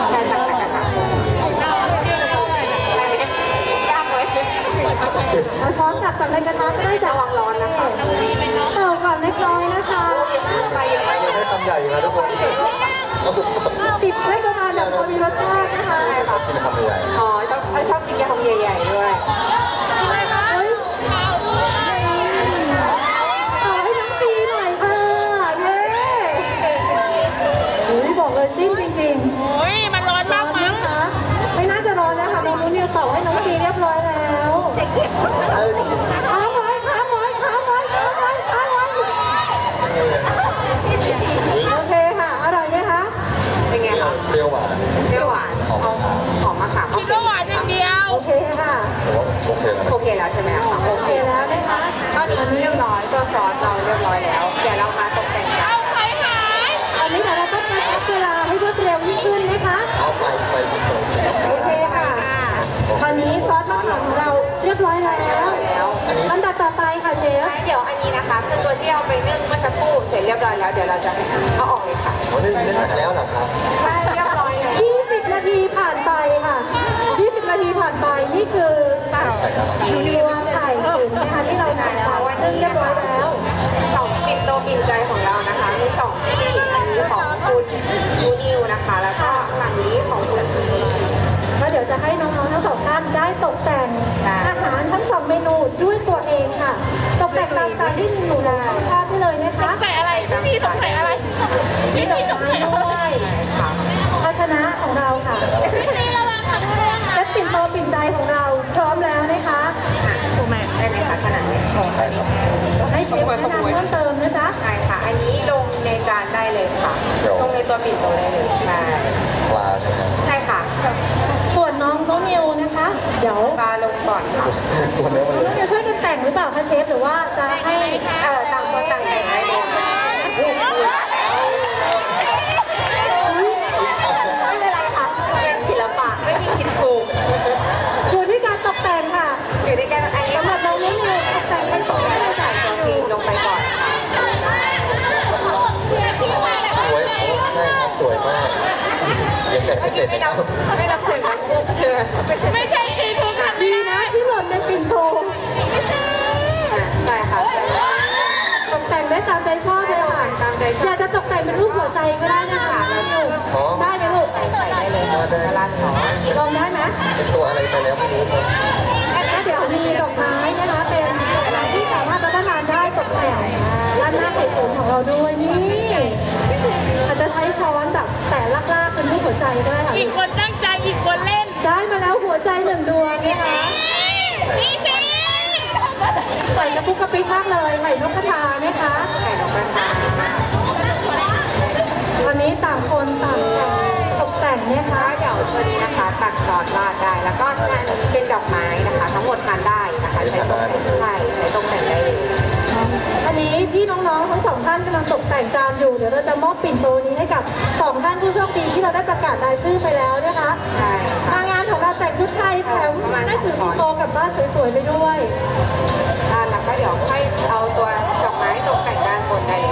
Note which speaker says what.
Speaker 1: ใช่ค่ะยากเลยเอาช้อนตักจากในกระทะก็ได้จะวางร้อนนะคะเต่าก่อนเล็กน้อยนะคะไปเยอะไปเยอะ
Speaker 2: ให้คำใหญ่นะทุกคน
Speaker 1: ติดให้ประมาณแบบพอมีรสชาตินะคะ
Speaker 2: กินคำใหญ่
Speaker 1: อ๋อชอบกินยำใหญ่ๆด้วยเฮ้ยเอาให้น้องซีหน่อยค่ะเย้บอกเลยจิ้มจริงๆ
Speaker 3: โอ้ยมันร้อนมากมั้ง
Speaker 1: คะไม่น่าจะร้อนนะคะน้องนุ่นนิวเต่าให้น้องซีเรียบร้อยแล้วค้างไว้ค้างไว้ค้างไว้ค้างไว้ค้างไว้โอเคค่ะอร่อยไหมคะเป็นไงคะ
Speaker 2: เปรี้ยวหวาน
Speaker 1: เปรี้ยวหวานหอมมะขาม
Speaker 3: คิดว่าหวานอย่างเดียว
Speaker 1: โอเคค่ะ
Speaker 2: แต่ว่าโอเคแล้ว
Speaker 1: โอเคแล้วใช่ไหมคะโอเคแล้วนะคะตอนนี้เรียบร้อยตัวซอสเราเรียบร้อยแล้วเดี๋ยวเรามาตกแต่งกัน
Speaker 3: เอาไข่หาย
Speaker 1: ตอนนี้เราต้องมาใช้เวลาให้รวดเร็วยิ่งขึ้นนะคะ
Speaker 2: เอาไป
Speaker 1: โอเคค่ะตอนนี้ซอสมะขามของเราเรียบร้อยแล้วลำดับต่อไปค่ะเชฟเดี๋ยวอันนี้นะคะคือตัวที่เอาไปนึ่งเมื่อสักครู่เสร็จเรียบร้อยแล้วเดี๋ยวเราจะเอาออกเลยค่ะ
Speaker 2: วันนี้เล่นแล้วเหรอครับ
Speaker 1: ใช่เรียบร้อยแล้ว20 นาทีผ่านไปค่ะ20 นาทีผ่านไปนี่คือตัวไข่ตุ๋นนะคะที่เราทำแล้วว่านึ่งเรียบร้อยแล้ว2ปิ่นโตปิ่นใจของเรานะคะมี2ที่อันนี้ของคุณนูนิวนะคะแล้วก็อันนี้ของคุณซีแล้วเดี๋ยวจะให้น้องๆทั้งสองท่านได้ตกแต่งอาหารทั้ง2เมนูด้วยตัวเองค่ะตกแต่งตามสไตล์ที่หนูชอบได้เลยนะคะ
Speaker 3: ใส่อะไรพี่สงสัยอะไรพี่สงสัยอะไร
Speaker 1: ด้วยภาชนะของเราค่ะ
Speaker 3: พี่ระวังค่ะระวังค่ะ
Speaker 1: และปิ่นโตปิ่นใจของเราพร้อมแล้วนะคะถูกไหมได้ไหมคะขนาดนี้ให้เชฟแนะนำเพิ่มเติมนะจ๊ะใช่ค่ะอันนี้ลงในจานได้เลยค่ะลงในตัวปิ่นโตได้เลยใช่
Speaker 2: ปลาใช่ไหม
Speaker 1: ใช่ค่ะส่วนน้องนิวนะคะ เดี๋ยวปลาลงก่อนค่ะ
Speaker 2: ตัวเนี้ยมัน
Speaker 1: น้องนิวช่วยกันแต่งหรือเปล่าคะเชฟหรือว่าจะให้ต่างคนต่างแต่งได้เลยไม่เป็นไรค่ะเป็นศิลปะไม่มีผิดถูกอยู่ที่การตกแต่งค่ะอยู่ที่การอันนี้สำหรับน้องนิวตกแต่งให้สวยให้ใส่ตัวครีมลงไปก่อนค่ะ
Speaker 2: สวยใช่ครับสวยมากยังแต่ไม่เสร็จนะครับ
Speaker 1: ไม่รับเสียงนะเธอ
Speaker 3: ไม่ใช่ซีทูค่ะ
Speaker 1: ดีนะที่หล่นในปิ่นโตใช่ค่ะตกแต่งได้ตามใจชอบเลยค่ะตามใจอยากจะตกแต่งเป็นรูปหัวใจก็ได้นะคะได้ไหมลูกใส่ได้เลยร้านสองลองได้ไหม
Speaker 2: เป็นตัวอะไรไปแล้วไม่รู้ครับ
Speaker 1: แล้วเดี๋ยวมีดอกไม้นะคะเป็นอะไรที่สามารถรับประทานได้ตกแต่งร้านหน้าไข่ตุ๋นของเราด้วยนี่อาจจะใช้ช้อนแบบแต่ลากๆเป็นรูปหัวใจก็ได้ค่ะ
Speaker 3: อีกคนตั้งใจอีกคนเล่น
Speaker 1: ได้มาแล้วหัวใจ1 ดวงนะคะ
Speaker 3: พี่ซี
Speaker 1: ใส่กระปุกกระปิกมากเลยไข่นกกระทานะคะไข่นกกระทาวันนี้ต่างคนต่างตกแต่งนะคะเดี๋ยวตัวนี้นะคะตัดซอสราดได้แล้วก็ทานเป็นดอกไม้นะคะทั้งหมดทานได้นะคะใช้ตกแต่งได้ใช้ตกแต่งได้เลยอันนี้ที่น้องๆทั้ง2ท่านกำลังตกแต่งจานอยู่เดี๋ยวเราจะมอบปิ่นโตนี้ให้กับ2ท่านผู้โชคดีที่เราได้ประกาศรายชื่อไปแล้วนะคะใช่มางานของเราแต่งชุดไทยแถมได้ถือปิ่นโตกลับบ้านสวยๆไปด้วยแล้วก็เดี๋ยวให้เอาตัวดอกไม้ตกแต่งด้านบนได้เลย